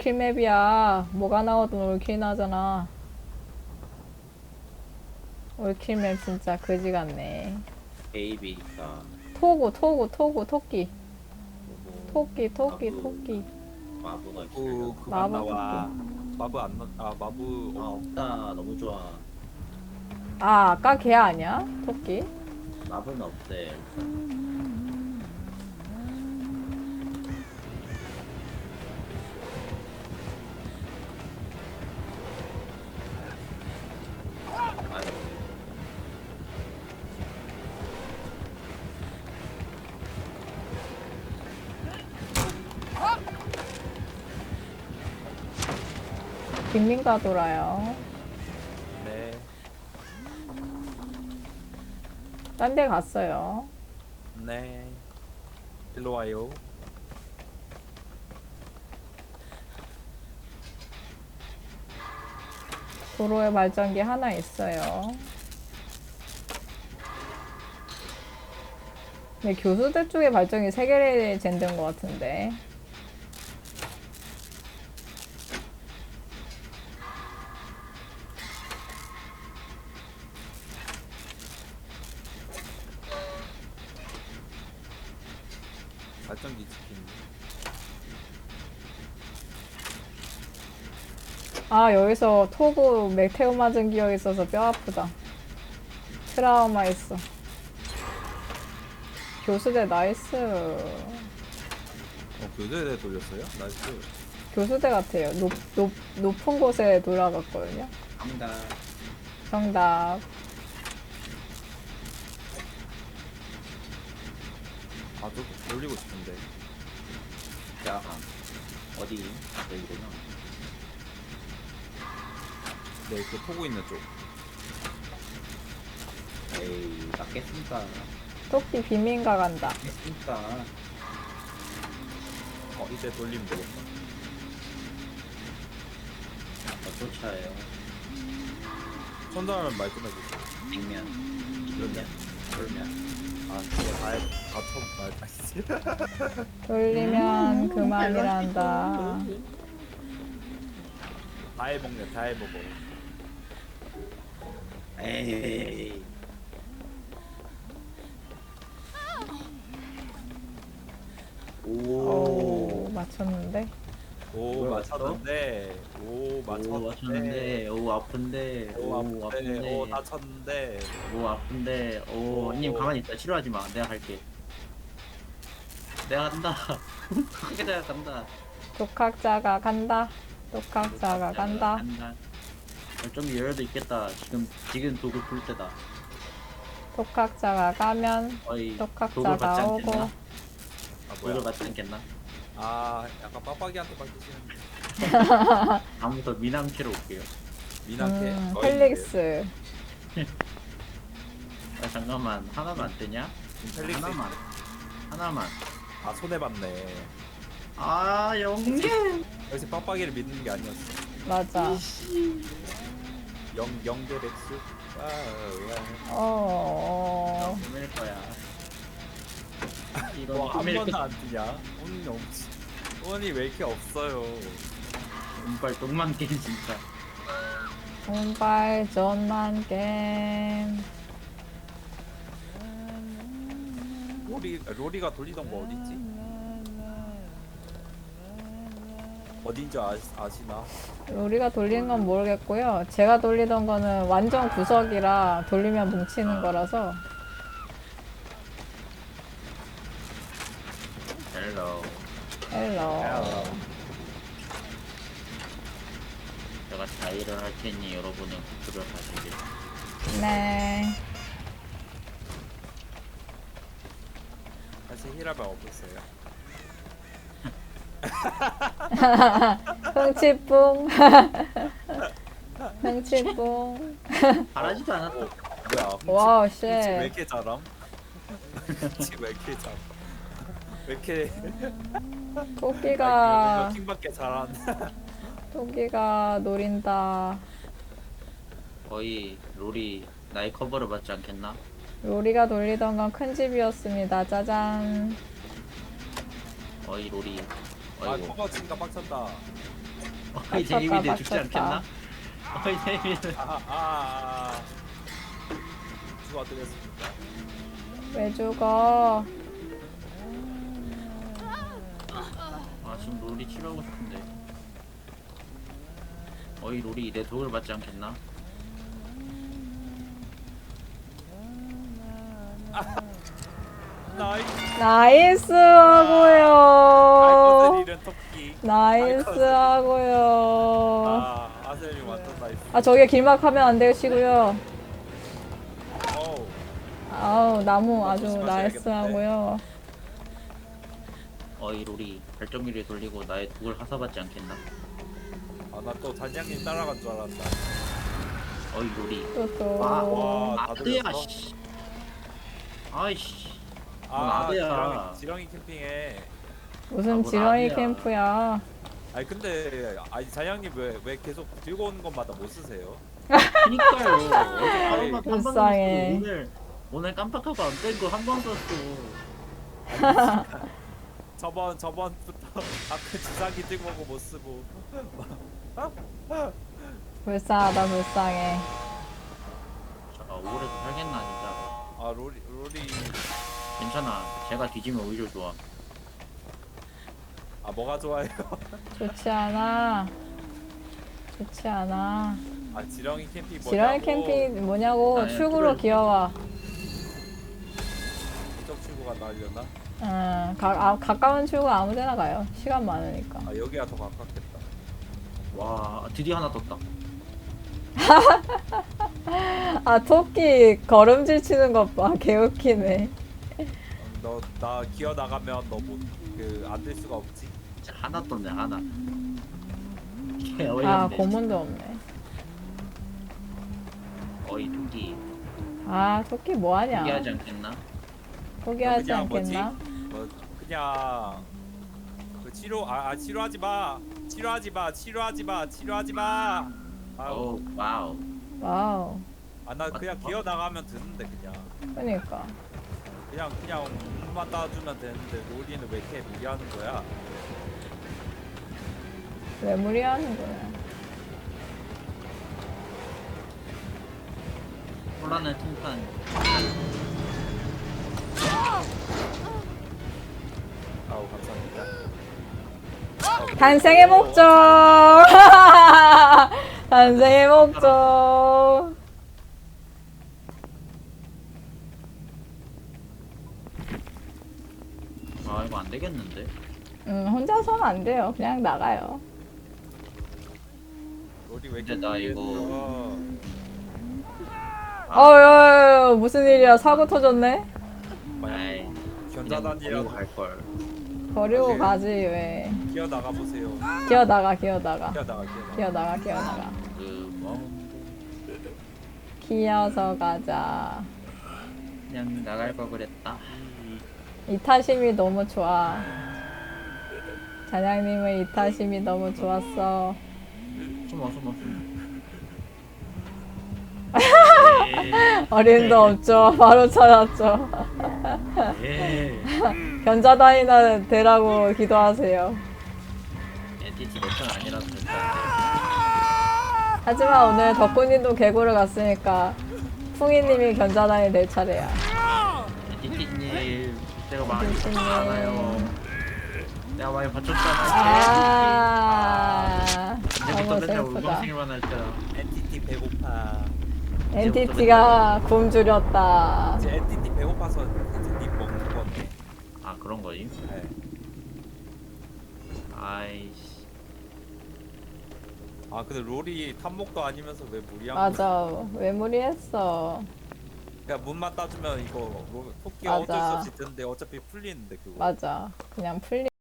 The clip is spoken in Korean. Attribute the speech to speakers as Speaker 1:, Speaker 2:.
Speaker 1: 올킬 맵이야. 뭐가 나와도 올킬 나잖아. 올킬 맵 진짜 그지 같네.
Speaker 2: 베이비니까
Speaker 1: 토끼.
Speaker 2: 뭐
Speaker 1: 토끼.
Speaker 2: 마부가
Speaker 3: 오
Speaker 2: 있으려고.
Speaker 3: 그만
Speaker 1: 마법
Speaker 3: 나와. 마부 안 나. 아 마부.
Speaker 2: 아 없다. 너무 좋아.
Speaker 1: 아, 아까 걔 아니야? 토끼?
Speaker 2: 마부는 없대. 아유,
Speaker 1: 빅민가 돌아요.
Speaker 3: 네.
Speaker 1: 딴 데 갔어요.
Speaker 3: 네. 일로 와요.
Speaker 1: 도로에 발전기 하나 있어요. 근데 교수대 쪽에 발전기 3개를 잰든 것 같은데.
Speaker 3: 발전기 치킨.
Speaker 1: 아, 여기서 토구 맥테오 맞은 기억이 있어서 뼈 아프다. 트라우마 있어. 교수대 나이스.
Speaker 3: 교대에 돌렸어요? 나이스.
Speaker 1: 교수대 같아요. 높은 곳에 돌아갔거든요.
Speaker 2: 갑니다.
Speaker 1: 정답.
Speaker 3: 아저 돌리고 싶은데.
Speaker 2: 야, 어디? 여기구나.
Speaker 3: 네, 그 토고 있는 쪽.
Speaker 2: 에이, 맞겠습니까?
Speaker 1: 토끼 비민가 간다.
Speaker 2: 맞겠습니까?
Speaker 3: 이제 돌리면 되겠다.
Speaker 2: 쫓아요.
Speaker 3: 천사는 말 좀 해주세요.
Speaker 2: 냉면, 이러면, 그러면.
Speaker 3: 아, 진짜 말.
Speaker 1: 돌리면 그만이란다.
Speaker 3: 다 해먹네, 다 해먹어.
Speaker 2: 에이.
Speaker 1: 오,
Speaker 2: 오.
Speaker 1: 맞췄는데?
Speaker 3: 오,
Speaker 2: 뭘
Speaker 3: 맞췄는데. 오,
Speaker 2: 오,
Speaker 3: 맞췄는데.
Speaker 2: 맞췄는데. 오, 아픈데.
Speaker 3: 오, 아픈데. 오, 다쳤는데.
Speaker 2: 오, 아픈데. 오, 님 가만히 있다. 싫어하지 마. 내가 할게. 내가 간다. 크게 내가 간다.
Speaker 1: 독학자가 간다. 독학자가 간다.
Speaker 2: 좀 열어도 있겠다. 지금 도구 풀 때다.
Speaker 1: 독학자가 가면
Speaker 2: 거의 도구 받지
Speaker 1: 독학자가 오고.
Speaker 2: 않겠나?
Speaker 3: 아,
Speaker 2: 도구
Speaker 3: 뭐야.
Speaker 2: 받지 않겠나?
Speaker 3: 아, 약간 빡빡이한테 맡기시는데.
Speaker 2: 다음부터 미남캐로 올게요.
Speaker 3: 미나케.
Speaker 1: 펠릭스.
Speaker 2: 아, 잠깐만. 하나만 안 되냐?
Speaker 3: 펠릭스.
Speaker 2: 하나만.
Speaker 3: 아, 손해봤네.
Speaker 2: 아, 영계.
Speaker 3: 역시 빡빡이를 믿는 게 아니었어.
Speaker 1: 맞아.
Speaker 3: 영대백수.
Speaker 1: 어.
Speaker 2: 보낼 거야. 이거
Speaker 3: 뭐, 한
Speaker 2: 보낼
Speaker 3: 번도
Speaker 2: 거.
Speaker 3: 안 뜨냐? 운이 없지. 운이 왜 이렇게 없어요?
Speaker 2: 운빨 똥만 게임 진짜.
Speaker 1: 운발 전만 게임.
Speaker 3: 로리가 돌리던 거 어딨지? 어딘지 아시나?
Speaker 1: 우리가 돌리는 건 모르겠고요. 제가 돌리던 거는 완전 구석이라 돌리면 뭉치는 거라서.
Speaker 2: 헬로.
Speaker 1: 헬로.
Speaker 2: 제가 자의를 할 테니 여러분은 구출을 하시길.
Speaker 1: 네.
Speaker 3: 사실 힐하면 없었어요.
Speaker 1: 흥치뿡. 흥치뿡.
Speaker 2: 바라지도 않았다.
Speaker 3: 뭐야?
Speaker 1: 와우,
Speaker 3: 흠치 왜
Speaker 1: 쉣.
Speaker 3: 이렇게 잘함? 흠치 왜 이렇게 잘함? 왜 이렇게
Speaker 1: 토끼가,
Speaker 3: 킹밖에 잘한다.
Speaker 1: 토끼가 노린다.
Speaker 2: 거의 롤이 나의 커버를 받지 않겠나?
Speaker 1: 로리가 돌리던 건 큰 집이었습니다. 짜잔.
Speaker 2: 거의 롤이.
Speaker 3: 아,
Speaker 2: 어이구.
Speaker 3: 커버 치니까 빡쳤다.
Speaker 2: 어이 데이비드 죽지
Speaker 1: 맞췄다.
Speaker 2: 않겠나? 어이 데이비드.
Speaker 3: 죽어드렸습니다.
Speaker 1: 왜 죽어?
Speaker 2: 아 지금 롤이 치료하고 싶은데. 어이 롤이 내 독을 받지 않겠나?
Speaker 3: 나이스.
Speaker 1: 나이스 하고요.
Speaker 3: 아이코스 토끼.
Speaker 1: 나이스 하고요.
Speaker 3: 아셀이 완전 나이스.
Speaker 1: 아 저게 길막하면 안 되시고요.
Speaker 3: 어우.
Speaker 1: 아우 나무 아주
Speaker 3: 조심하셔야겠는데.
Speaker 1: 나이스 하고요.
Speaker 2: 어이 롤이 발전기를 돌리고 나의 독을 하사받지 않겠나?
Speaker 3: 나 또 단장님 따라간 줄 알았다.
Speaker 2: 어이 롤이.
Speaker 1: 또또
Speaker 3: 와, 다
Speaker 2: 아뜨야
Speaker 3: 들렸어?
Speaker 2: 씨. 아이씨. 아드야.
Speaker 3: 지렁이 캠핑에.
Speaker 1: 무슨
Speaker 2: 뭘
Speaker 1: 지렁이
Speaker 2: 아니야.
Speaker 1: 캠프야.
Speaker 3: 아니 근데 단장님 왜 계속 들고 오는 것마다 못 쓰세요?
Speaker 2: 그니까요. 어제 하루만
Speaker 1: 불쌍해.
Speaker 2: 오늘 깜빡하고 안 뺀 거 한 번 썼어.
Speaker 3: 저번부터 아까 주사기 들고 오고 못 쓰고.
Speaker 1: 불쌍하다 불쌍해.
Speaker 2: 자, 오래도 살겠나 진짜.
Speaker 3: 롤이
Speaker 2: 괜찮아. 제가 뒤지면 오히려 좋아.
Speaker 3: 뭐가 좋아요?
Speaker 1: 좋지 않아. 좋지 않아.
Speaker 3: 지렁이 캠핑 뭐냐고.
Speaker 1: 지렁이 캠핑 뭐냐고.
Speaker 2: 아,
Speaker 1: 출구로
Speaker 2: 그래.
Speaker 1: 기어와.
Speaker 3: 이쪽 출구가 나려나?
Speaker 1: 가까운 출구 아무데나 가요. 시간 많으니까.
Speaker 3: 여기가 더 가깝겠다.
Speaker 2: 와 드디어 하나 떴다.
Speaker 1: 아 토끼 걸음질 치는 것 봐. 개웃기네.
Speaker 3: 나 기어 나가면 너 못 안 될 수가 없지.
Speaker 2: 진짜 하나 떴네 하나. 개
Speaker 1: 아
Speaker 2: 어이없네.
Speaker 1: 고문도 없네.
Speaker 2: 어이 토끼.
Speaker 1: 아 토끼 뭐하냐.
Speaker 2: 포기하지 않겠나?
Speaker 1: 포기하지
Speaker 3: 그냥 뭐지?
Speaker 1: 않겠나?
Speaker 3: 그냥 치료하지 마.
Speaker 2: 오 와우.
Speaker 1: 와우.
Speaker 3: 나 그냥 기어 나가면 되는데
Speaker 1: 그러니까.
Speaker 3: 그냥 몸만 따주면 되는데 로리는 왜 이렇게 무리하는 거야?
Speaker 1: 왜 무리하는 거야?
Speaker 2: 혼란의 통탄.
Speaker 3: 아우 감사합니다.
Speaker 1: 탄생의 목적. 탄생의 목적.
Speaker 2: 아 이거 안 되겠는데?
Speaker 1: 혼자서는 안 돼요. 그냥 나가요.
Speaker 3: 로리 왜 이렇게
Speaker 2: 근데 나 이거-
Speaker 3: 무리했어?
Speaker 1: 무슨 일이야? 사고 터졌네.
Speaker 2: 아이 그냥 버리고
Speaker 3: 견자단이라도
Speaker 2: 갈 걸.
Speaker 1: 버리고
Speaker 3: 오케이.
Speaker 1: 가지 왜?
Speaker 3: 기어 나가 보세요.
Speaker 1: 기어나가.
Speaker 3: 기어 나가.
Speaker 2: 그뭐
Speaker 1: 기어서 가자.
Speaker 2: 그냥 나갈 걸 그랬다.
Speaker 1: 이타심이 너무 좋아. 자장님의 이타심이 너무 좋았어.
Speaker 2: 숨어.
Speaker 1: 어림도 없죠. 바로 찾았죠.
Speaker 2: 예.
Speaker 1: 견자단이나 되라고 기도하세요.
Speaker 2: 엔티티 몇편 아니라서 절대 안
Speaker 1: 하지만 오늘 덕분님도 개구를 갔으니까 풍이님이 견자단이 될 차례야.
Speaker 2: 돼. 엔티티님 제가 많이
Speaker 1: 엔티티님.
Speaker 2: 바쳤잖아요. 내가 많이 바쳤잖아.
Speaker 1: 너무
Speaker 2: 이제부터 맨날
Speaker 1: 슬프다.
Speaker 2: 울방생일만 할 때라.
Speaker 3: NTT 배고파.
Speaker 1: NTT가 굶주렸다.
Speaker 3: 이제 NTT 배고파서 NTT 먹는 건데.
Speaker 2: 아 그런 거임?
Speaker 3: 네.
Speaker 2: 아이씨.
Speaker 3: 근데 롤이 탐목도 아니면서 왜 무리한 거야?
Speaker 1: 맞아. 왜 무리했어?
Speaker 3: 그냥 문만 따주면 이거 토끼
Speaker 1: 맞아.
Speaker 3: 어쩔 수 없이 뜨는데 어차피 풀리는데 그거.
Speaker 1: 맞아. 그냥 풀리.